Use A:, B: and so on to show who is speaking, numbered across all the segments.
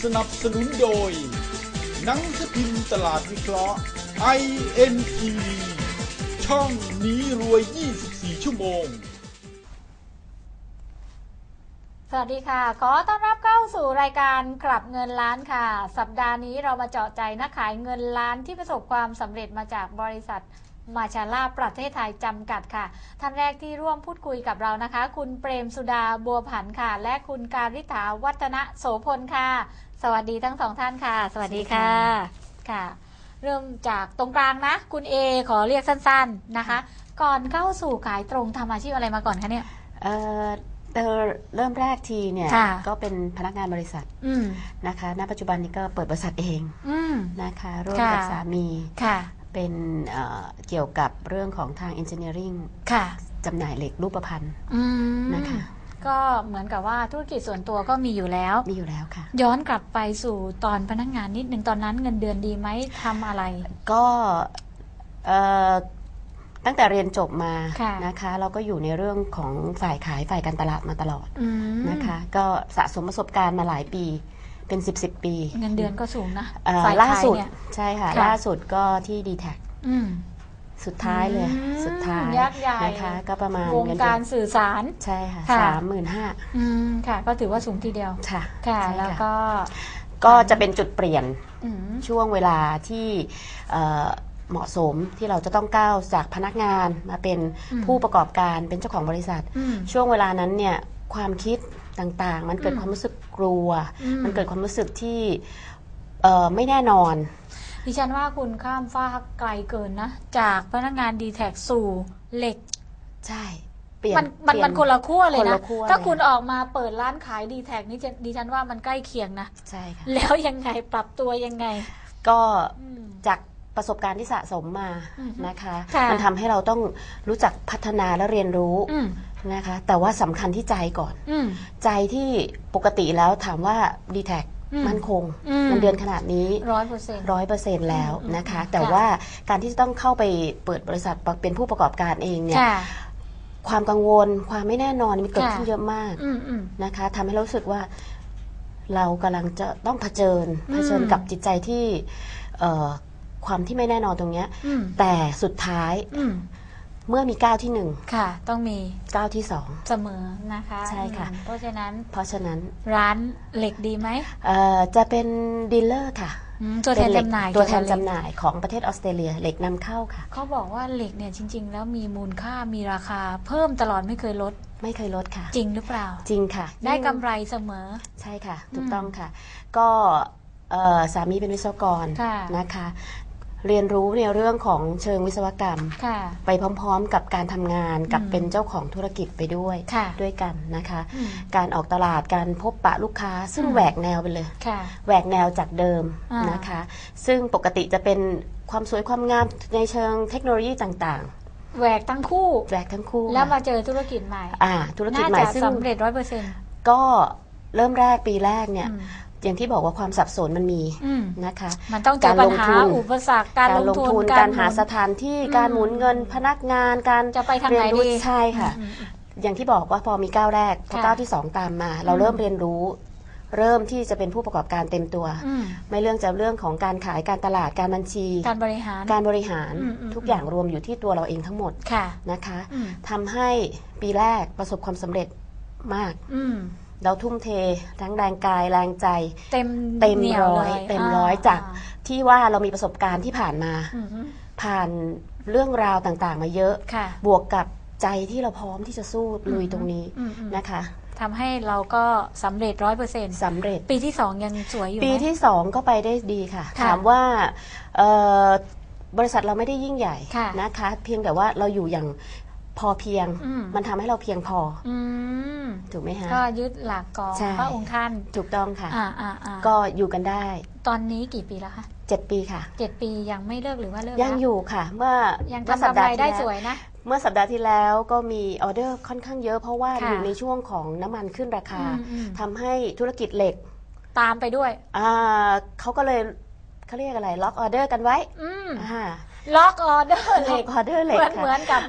A: นับสนุนโดยหนังสือพิมพ์ตลาดวิเคราะห์ INTV ช่องนี้รวย 24 ชั่วโมง
B: สวัสดีค่ะขอต้อนรับเข้าสู่รายการกลับเงินล้านค่ะสัปดาห์นี้เรามาเจาะใจนักขายเงินล้านที่ประสบความสำเร็จมาจากบริษัทมาชาล่าประเทศไทยจำกัดค่ะท่านแรกที่ร่วมพูดคุยกับเรานะคะคุณเปรมสุดาบัวผันค่ะและคุณการิษฐาวัฒนโสพลค่ะสวัสดีทั้งสองท่านค่ะสวัสดีค่ะค่ะเริ่มจากตรงกลางนะคุณเอขอเรียกสั้นๆนะคะก่อนเข้าสู่ขายตรงทำอาชีพอะไรมาก่อนคะเนี่ย
C: เริ่มแรกทีเนี่ยก็เป็นพนักงานบริษัทนะคะณปัจจุบันนี้ก็เปิดบริษัทเองนะคะร่วมกับสามีเป็นเกี่ยวกับเรื่องของทาง engineering จำหน่ายเหล็กรูปพรรณนะคะ
B: ก็เหมือนกับว่าธุรกิจส่วนตัวก็มีอยู่แล้ว
C: ค่ะ
B: ย้อนกลับไปสู่ตอนพนักงานนิดนึงตอนนั้นเงินเดือนดีไหมทำอะไร
C: ก็ตั้งแต่เรียนจบมานะคะเราก็อยู่ในเรื่องของฝ่ายขายฝ่ายการตลาดมาตลอดนะคะก็สะสมประสบการณ์มาหลายปีเป็น10 ปี
B: เงินเดือนก็สูงนะ
C: ล่าสุดใช่ค่ะล่าสุดก็ที่ D-Tac สุดท้ายเลยสุดท้ายนะคะก็ประมาณ
B: วงการสื่อสาร
C: ใช่ค่ะ35,000
B: ค่ะก็ถือว่าสูงทีเดียวค่ะแล้ว
C: ก็จะเป็นจุดเปลี่ยนช่วงเวลาที่เหมาะสมที่เราจะต้องก้าวจากพนักงานมาเป็นผู้ประกอบการเป็นเจ้าของบริษัทช่วงเวลานั้นเนี่ยความคิดต่างๆมันเกิดความรู้สึกกลัวมันเกิดความรู้สึกที่ไม่แน่นอน
B: ดิฉันว่าคุณข้ามฟ้าไกลเกินนะจากพนักงาน D-Tac สู่เหล็ก
C: ใช่
B: มันคนละขั้วเลยนะถ้าคุณออกมาเปิดร้านขาย D-Tac นี่ดิฉันว่ามันใกล้เคียงนะ
C: ใช่ค่ะ
B: แล้วยังไงปรับตัวยังไง
C: ก็จากประสบการณ์ที่สะสมมานะคะมันทำให้เราต้องรู้จักพัฒนาและเรียนรู้นะคะแต่ว่าสำคัญที่ใจก่อนใจที่ปกติแล้วถามว่า D-Tac มั่นคงเงินเดือนขนาดนี้ 100% แล้วนะคะแต่ว่าการที่จะต้องเข้าไปเปิดบริษัทเป็นผู้ประกอบการเองเนี่ยความกังวลความไม่แน่นอนมันเกิดขึ้นเยอะมากนะคะทำให้เรารู้สึกว่าเรากำลังจะต้องเผชิญกับจิตใจที่ความที่ไม่แน่นอนตรงนี้แต่สุดท้ายเมื่อมีก้าวที่1
B: ค่ะต้องมี
C: ก้าวที่2
B: เสมอนะคะ
C: ใช่ค่ะ
B: เพราะฉะนั้น
C: ร้
B: านเหล็กดีไหม
C: จะเป็นดีลเลอร์ค่ะ
B: ตัวแทนจำหน่าย
C: ของประเทศออสเตรเลียเหล็กนำเข้าค่ะ
B: เขาบอกว่าเหล็กเนี่ยจริงๆแล้วมีมูลค่ามีราคาเพิ่มตลอดไม่เคยลด
C: ค่ะ
B: จริงหรือเปล่า
C: จริงค่ะ
B: ได้กำไรเสมอ
C: ใช่ค่ะถูกต้องค่ะก็สามีเป็นวิศวกรนะคะเรียนรู้ในเรื่องของเชิงวิศวกรรมไปพร้อมๆกับการทำงานกับเป็นเจ้าของธุรกิจไปด้วยกันนะคะการออกตลาดการพบปะลูกค้าซึ่งแหวกแนวไปเลยแหวกแนวจากเดิมนะคะซึ่งปกติจะเป็นความสวยความงามในเชิงเทคโนโลยีต่าง
B: ๆแหวกทั้งคู่แล้วมาเจอธุรกิจใหม่
C: ธุรกิจใหม่ซึ่ง
B: สำเร็จ 100%
C: ก็เริ่มแรกปีแรกเนี่ยอย่างที่บอกว่าความสับสนมันมีนะคะ
B: มันต้องเจอปัญหาอุปสรรคการลงทุน
C: การหาสถานที่การหมุนเงินพนักงานการ
B: จะไปทางไหนดี
C: ใช่ค่ะอย่างที่บอกว่าพอมีก้าวแรกพอก้าวที่2ตามมาเราเริ่มเรียนรู้เริ่มที่จะเป็นผู้ประกอบการเต็มตัวไม่เรื่องของการขายการตลาดการบัญชี
B: การบริหาร
C: ทุกอย่างรวมอยู่ที่ตัวเราเองทั้งหมดนะคะทำให้ปีแรกประสบความสำเร็จมากเราทุ่มเททั้งแรงกายแรงใจ
B: เต็ม
C: ร้อยจากที่ว่าเรามีประสบการณ์ที่ผ่านมาผ่านเรื่องราวต่างๆมาเยอะบวกกับใจที่เราพร้อมที่จะสู้ลุยตรงนี้นะคะ
B: ทำให้เราก็สำเร็จ 100%
C: สำเร็จ
B: ปีที่2ยังสวยอยู่
C: ปีที่2ก็ไปได้ดีค่ะถามว่าบริษัทเราไม่ได้ยิ่งใหญ่นะคะเพียงแต่ว่าเราอยู่อย่างพอเพียงมันทำให้เราเพียงพอถูกไหมฮะ
B: ก็ยึดหลักของพระองค์ท่าน
C: ถูกต้องค่ะก็อยู่กันได้
B: ตอนนี้กี่ปีแล้วคะ
C: 7 ปีค่ะ
B: 7 ปียังไม่เลิกหรือว่าเลิก
C: ยังอยู่ค่ะเมื่อ
B: ยังทำกำไรได้สวยนะ
C: เมื่อสัปดาห์ที่แล้วก็มีออเดอร์ค่อนข้างเยอะเพราะว่าอยู่ในช่วงของน้ำมันขึ้นราคาทำให้ธุรกิจเหล็ก
B: ตามไปด้วย
C: เขาก็เลยเขาเรียกอะไรล็อกออเดอร์กันไว้
B: ล็อกออเดอร์เหล็กเหมือนกับ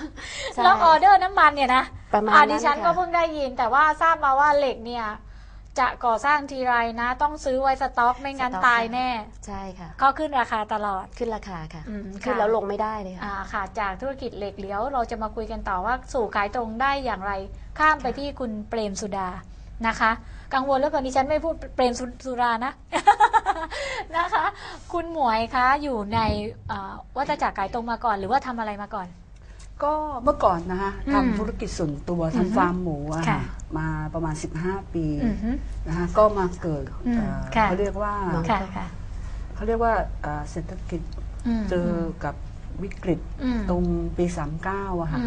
B: ล็อกออเดอร์น้ำมันเนี่ยนะ
C: ประมาณนั้น
B: ดิฉันก็เพิ่งได้ยินแต่ว่าทราบมาว่าเหล็กเนี่ยจะก่อสร้างทีไรนะ ต้องซื้อไว้สต็อกไม่งั้นตายแน่
C: ใช่ค่ะ
B: เขาขึ้นราคาตลอด
C: ขึ้นราคาค่ะขึ้นแล้วลงไม่ได้เลย
B: ค่ะจากธุรกิจเหล็กเหลียวเราจะมาคุยกันต่อว่าสู่ขายตรงได้อย่างไรข้ามไปที่คุณเปรมสุดานะคะกังวลแล้วก่อนดิฉันไม่พูดเปรมสุรานะ นะคะคุณหมวยคะอยู่ในวัฏจักรขายตรงมาก่อนหรือว่าทำอะไรมาก่อน
D: ก็เมื่อก่อนนะคะทำธุรกิจส่วนตัวทำฟาร์มหมูมาประมาณ15 ปีนะคะก็มาเกิดเขาเรียกว่าเขาเรียกว่าเศรษฐกิจเจอกับวิกฤตตรงปี39อะค่ะ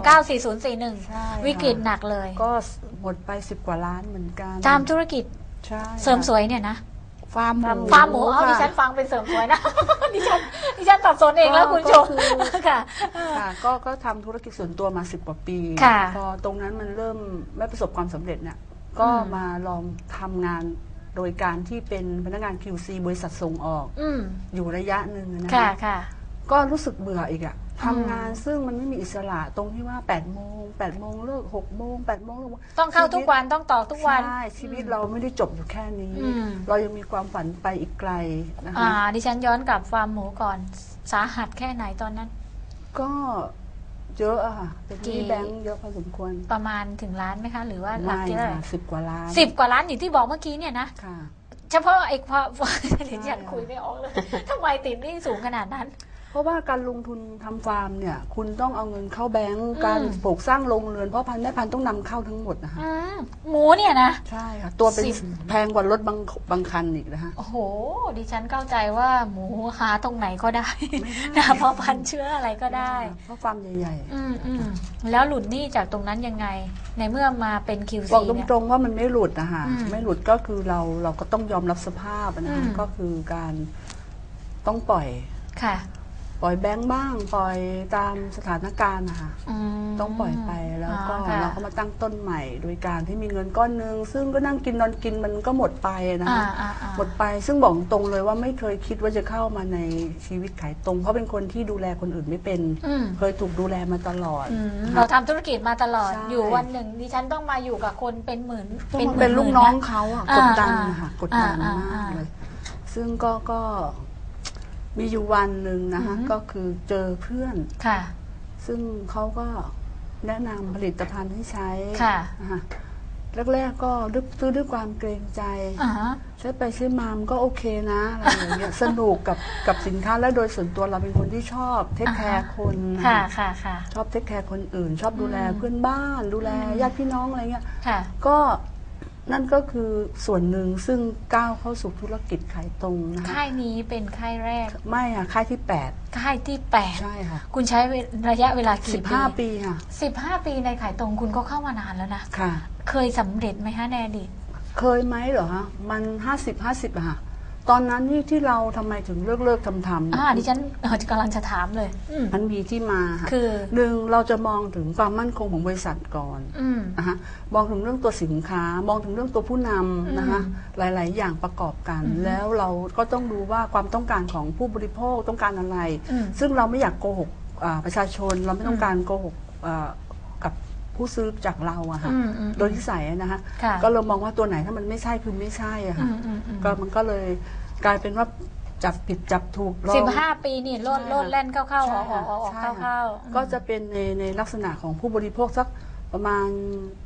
B: 394041วิกฤตหนักเลย
D: ก็หมดไป10 กว่าล้านเหมือนกัน
B: ตามธุรกิจเสริมสวยเนี่ยนะ
D: ฟาร์ม
B: หมูเอาดิฉันฟังเป็นเสริมสวยนะดิฉันตัดสนเองแล้วคุณชมค่ะ
D: ก็ทำธุรกิจส่วนตัวมา10 กว่าปีพอตรงนั้นมันเริ่มไม่ประสบความสำเร็จเนี่ยก็มาลองทำงานโดยการที่เป็นพนักงาน QC บริษัทส่งออกอยู่ระยะหนึ่งนะคะก็รู้สึกเบื่ออีกอะทำงานซึ่งมันไม่มีอิสระตรงที่ว่า8 โมงเลิก6 โมง8 โมง
B: ต้องเข้าทุกวันต้องต่อทุกวัน
D: ใช่ชีวิตเราไม่ได้จบอยู่แค่นี้เรายังมีความฝันไปอีกไกลนะคะ
B: ดิฉันย้อนกลับฟาร์มหมูก่อนสาหัสแค่ไหนตอนนั้น
D: ก็เยอะอะค่ะเป็นที่แบงค์เยอะพอสมควร
B: ประมาณถึงล้านไหมคะหรือว่าหลักที่เท่าไหร่
D: 10 กว่าล้าน
B: 10 กว่าล้านอย่างที่บอกเมื่อกี้เนี่ยนะเฉพาะไอ้ความเดี๋ยวฉันคุยไม่ออกเลยทำไมติดหนี้สูงขนาดนั้น
D: เพราะว่าการลงทุนทำฟาร์มเนี่ยคุณต้องเอาเงินเข้าแบงก์การปลูกสร้างโรงเรือนเพราะพันธุ์แม่พันธุ์ต้องนำเข้าทั้งหมดนะคะ
B: หมูเนี่ยนะ
D: ใช่ค่ะตัวเป็นแพงกว่ารถบางคันอีกนะคะ
B: โอ้โหดิฉันเข้าใจว่าหมูหาตรงไหนก็ได้นะเพราะพันธุ์เชื้ออะไรก็ได้
D: เพราะฟาร์มใหญ่
B: ๆแล้วหลุดหนี้จากตรงนั้นยังไงในเมื่อมาเป็น QC
D: บอกตรงๆว่ามันไม่หลุดนะคะไม่หลุดก็คือเราก็ต้องยอมรับสภาพนะคะก็คือการต้องปล่อยปล่อยแบงค์บ้างปล่อยตามสถานการณ์นะคะต้องปล่อยไปแล้วก็เราก็มาตั้งต้นใหม่โดยการที่มีเงินก้อนนึงซึ่งก็นั่งกินนอนกินมันก็หมดไปนะคะหมดไปซึ่งบอกตรงเลยว่าไม่เคยคิดว่าจะเข้ามาในชีวิตขายตรงเพราะเป็นคนที่ดูแลคนอื่นไม่เป็นเคยถูกดูแลมาตลอด
B: เราทำธุรกิจมาตลอดอยู่วันหนึ่งดิฉันต้องมาอยู่กับคนเป็นหมื่น
D: เป็นลูกน้องเขากดดันค่ะกดดันมากเลยซึ่งก็มีอยู่วันหนึ่งนะคะก็คือเจอเพื่อนซึ่งเขาก็แนะนำผลิตภัณฑ์ให้ใช้นะคะแรกๆก็ซื้อด้วยความเกรงใจใช้ไปใช้มามันก็โอเคนะอะไรอย่างเงี้ยสนุกกับสินค้าและโดยส่วนตัวเราเป็นคนที่ชอบเทคแคร์คนชอบเทคแคร์คนอื่นชอบดูแลเพื่อนบ้านดูแลญาติพี่น้องอะไรเงี้ยก็นั่นก็คือส่วนหนึ่งซึ่งก้าวเข้าสู่ธุรกิจขายตรงนะคะ
B: ค่ายนี้เป็นค่ายแรก
D: ไม่ค่ะค่ายที่8
B: ค่ายที่8
D: ใช่ค่ะ
B: คุณใช้ระยะเวลากี่ปี
D: 15 ปีค่ะ
B: 15 ปีในขายตรงคุณก็เข้ามานานแล้วนะ
D: ค่ะ
B: เคยสำเร็จไหมฮะแนดี
D: เคยไหมเหรอฮะมัน50-50อะค่ะตอนนั้นที่เราทำไมถึงเลิกทำ
B: ดิฉันกำลังจะถามเลย
D: มันมีที่มาค่ะ
B: คือ
D: หนึ่งเราจะมองถึงความมั่นคงของบริษัทก่อนนะคะมองถึงเรื่องตัวสินค้ามองถึงเรื่องตัวผู้นำนะคะหลายๆอย่างประกอบกันแล้วเราก็ต้องดูว่าความต้องการของผู้บริโภคต้องการอะไรซึ่งเราไม่อยากโกหกประชาชนเราไม่ต้องการโกหกกับผู้ซื้อจากเราอะค่ะโดยที่ใส่นะคะก็เรามองว่าตัวไหนถ้ามันไม่ใช่คือไม่ใช่อะค่ะก็มันก็เลยกลายเป็นว่าจับผิดจับถูก
B: 15 ปีนี่โลดแล่นเข้าๆออกเข้า
D: ก็จะเป็นในลักษณะของผู้บริโภคสักประมาณ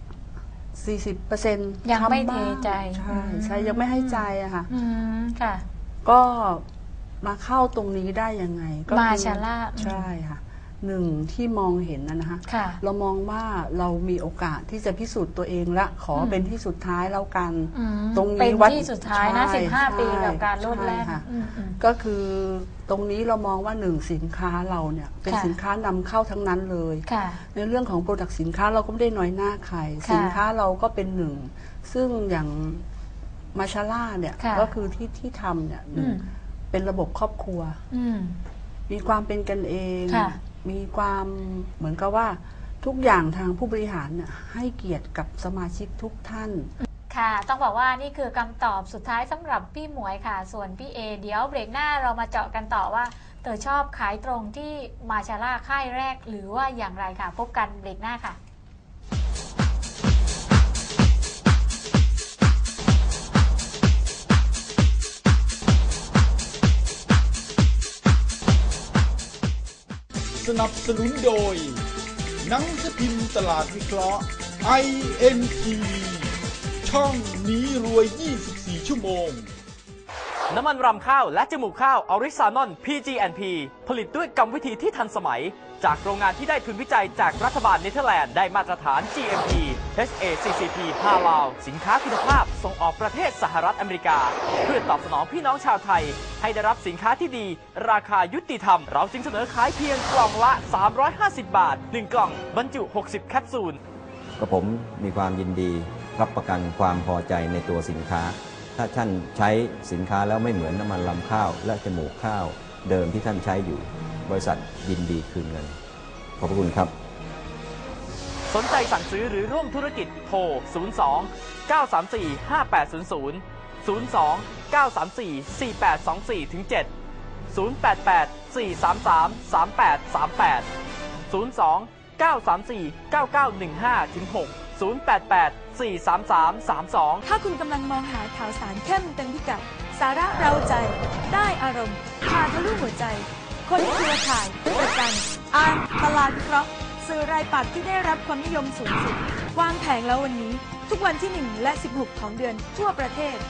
D: 40%
B: ยังไม่เทใจ
D: ใช่ยังไม่ให้ใจอะค่ะ
B: ค่ะ
D: ก็มาเข้าตรงนี้ได้ยังไง
B: ก็มาชาล่า
D: ใช่ค่ะหนึ่งที่มองเห็นนะคะเรามองว่าเรามีโอกาสที่จะพิสูจน์ตัวเองละขอเป็นที่สุดท้ายแล้วกัน
B: ตรงนี้วัดที่สุดท้ายนะ15 ปีกับการลดแล่น
D: ก็คือตรงนี้เรามองว่าหนึ่งสินค้าเราเนี่ยเป็นสินค้านำเข้าทั้งนั้นเลยในเรื่องของโปรดักต์สินค้าเราก็ไม่ได้น้อยหน้าใครสินค้าเราก็เป็นหนึ่งซึ่งอย่างมาชาล่าเนี่ยก็คือที่ทำเนี่ยเป็นระบบครอบครัวมีความเป็นกันเองมีความเหมือนกับว่าทุกอย่างทางผู้บริหารเนี่ยให้เกียรติกับสมาชิกทุกท่าน
B: ค่ะต้องบอกว่านี่คือคำตอบสุดท้ายสำหรับพี่หมวยค่ะส่วนพี่เอเดี๋ยวเบรกหน้าเรามาเจาะกันต่อว่าเธอชอบขายตรงที่มาชาล่าค่ายแรกหรือว่าอย่างไรค่ะพบกันเบรกหน้าค่ะ
A: สนับสนุนโดยหนังสือพิมพ์ตลาดวิเคราะห์ INTV ช่องนี้รวย 24 ชั่วโมง
E: น้ำมันรำข้าวและจมูกข้าวออริซานอน PGNP ผลิตด้วยกรรมวิธีที่ทันสมัยจากโรงงานที่ได้ทุนวิจัยจากรัฐบาลเนเธอร์แลนด์ได้มาตรฐาน GMP HACCP ฮาลาลสินค้าคุณภาพส่งออกประเทศสหรัฐอเมริกาเพื่อตอบสนองพี่น้องชาวไทยให้ได้รับสินค้าที่ดีราคายุติธรรมเราจึงเสนอขายเพียงกล่องละ350 บาท1กล่องบรรจุ60แคปซูล
F: กับผมมีความยินดีรับประกันความพอใจในตัวสินค้าถ้าท่านใช้สินค้าแล้วไม่เหมือนน้ำมันรำข้าวและจมูกข้าวเดิมที่ท่านใช้อยู่บริษัทยินดีคืนเงินขอบคุณครับ
E: สนใจสั่งซื้อหรือร่วมธุรกิจโทร 02 934 5800 02 934 4824 7 088 433 3838 02 934 9915 6 088 433 32
G: ถ้าคุณกำลังมองหาข่าวสารเข้มเต็มพิกัดสาระเร้าใจได้อารมณ์พาทะลุหัวใจคนเครือข่ายประกันตลาดวิเคราะห์สื่อรายปักที่ได้รับความนิยมสูงสุดวางแผงแล้ววันนี้ทุกวันที่1และ16ของเดือนทั่วประเทศ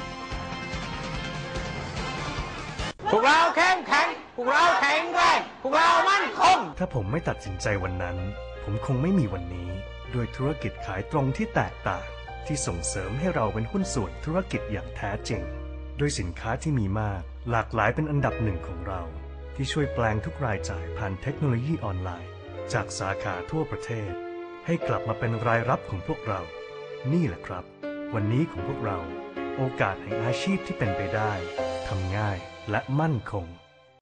H: พวกเราเข้มแข็งพวกเราแข็งแรงพวกเรามั่นคง
I: ถ้าผมไม่ตัดสินใจวันนั้นผมคงไม่มีวันนี้ด้วยธุรกิจขายตรงที่แตกต่างที่ส่งเสริมให้เราเป็นหุ้นส่วนธุรกิจอย่างแท้จริงด้วยสินค้าที่มีมากหลากหลายเป็นอันดับหนึ่งของเราที่ช่วยแปลงทุกรายจ่ายผ่านเทคโนโลยีออนไลน์จากสาขาทั่วประเทศให้กลับมาเป็นรายรับของพวกเรานี่แหละครับวันนี้ของพวกเราโอกาสแห่งอาชีพที่เป็นไปได้ทำง่ายและมั่นคง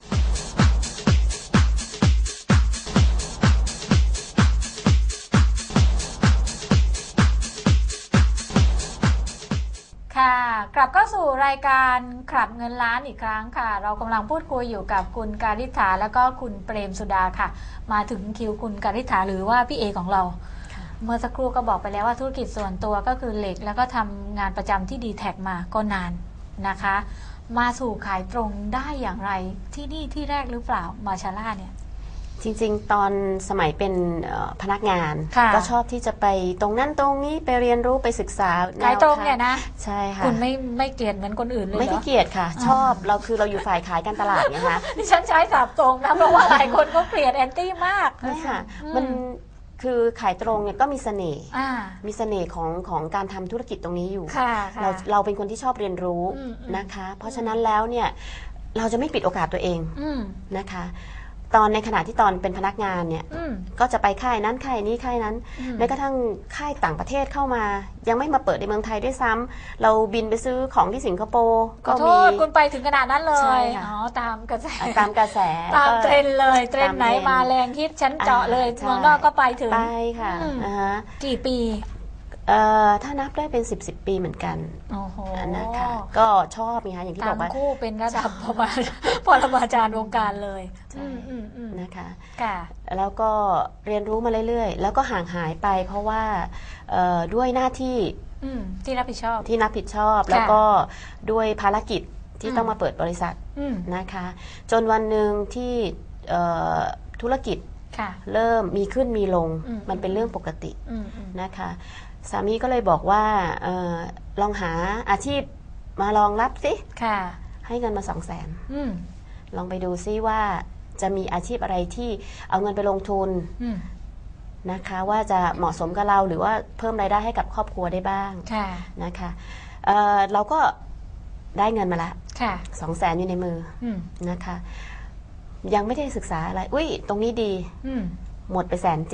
B: กลับเข้าสู่รายการขับเงินล้านอีกครั้งค่ะเรากำลังพูดคุยอยู่กับคุณการิษฐาและก็คุณเปรมสุดาค่ะมาถึงคิวคุณการิษฐาหรือว่าพี่เอของเราเมื่อสักครู่ก็บอกไปแล้วว่าธุรกิจส่วนตัวก็คือเหล็กแล้วก็ทำงานประจำที่ดีแท็กมาก็นานนะคะมาสู่ขายตรงได้อย่างไรที่นี่ที่แรกหรือเปล่ามาชาล่าเนี่ย
C: จริงๆตอนสมัยเป็นพนักงานก็ชอบที่จะไปตรงนั้นตรงนี้ไปเรียนรู้ไปศึกษา
B: ขายตรงเนี่ยนะ
C: ใช่ค่ะ
B: คุณไม่เกลียดเหมือนคนอื่นเลยเหรอ
C: ไม่ได้เกลียดค่ะชอบเราคือเราอยู่ฝ่ายขายการตลาดนะคะ
B: ดิฉันใช้สับตรงนะเพราะว่าหลายคนก็เกลียดแอนตี้มาก
C: ใช่ค่ะมันคือขายตรงเนี่ยก็มีเสน่ห์มีเสน่ห์ของการทำธุรกิจตรงนี้อยู่เราเป็นคนที่ชอบเรียนรู้นะคะเพราะฉะนั้นแล้วเนี่ยเราจะไม่ปิดโอกาสตัวเองนะคะตอนในขณะที่ตอนเป็นพนักงานเนี่ยก็จะไปค่ายนั้นค่ายนี้ค่ายนั้นแม้กระทั่งค่ายต่างประเทศเข้ามายังไม่มาเปิดในเมืองไทยด้วยซ้ำเราบินไปซื้อของที่สิงคโปร์
B: ก็มีคุณไปถึงขนาดนั้นเลยอ๋อตามกระแสตามเทรนเลยเทรนไหนมาแรงฮิตฉันเจาะเลยเมืองนอกก็ไปถึง
C: ไปค่ะ
B: กี่ปี
C: ถ้านับได้เป็น10 ปีเหมือนกันนะคะก็ชอบไงคะอย่างที่บอกว่า
B: คู่เป็นระดับปรมาจารย์วงการเลย
C: นะคะแล้วก็เรียนรู้มาเรื่อยๆแล้วก็ห่างหายไปเพราะว่าด้วยหน้าที่
B: ที่รับผิดช
C: อบแล้วก็ด้วยภารกิจที่ต้องมาเปิดบริษัทนะคะจนวันหนึ่งที่ธุรกิจเริ่มมีขึ้นมีลงมันเป็นเรื่องปกตินะคะสามีก็เลยบอกว่าลองหาอาชีพมาลองรับสิให้เงินมา200,000ลองไปดูซิว่าจะมีอาชีพอะไรที่เอาเงินไปลงทุนนะคะว่าจะเหมาะสมกับเราหรือว่าเพิ่มรายได้ให้กับครอบครัวได้บ้างนะคะเราก็ได้เงินมาละ200,000อยู่ในมือนะคะยังไม่ได้ศึกษาอะไรอุ้ยตรงนี้ดีหมดไป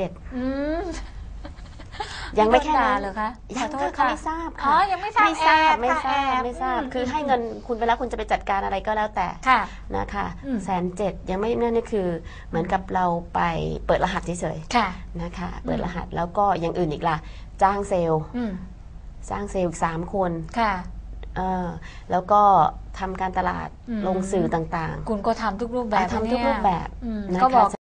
C: 170,000ยังไม่แค่นั้น
B: เหรอคะ
C: ยังเขาไม่ทราบค่ะ
B: ยังไม่ทรา
C: บคือให้เงินคุณไปแล้วคุณจะไปจัดการอะไรก็แล้วแต่นะคะ170,000ยังไม่นั่นนี่คือเหมือนกับเราไปเปิดรหัสเฉยๆนะคะเปิดรหัสแล้วก็อย่างอื่นอีกล่ะจ้างเซลล์อีก3 คนแล้วก็ทำการตลาดลงสื่อต่าง
B: ๆคุณก็ทำทุกรูปแบบ
C: ก็บอก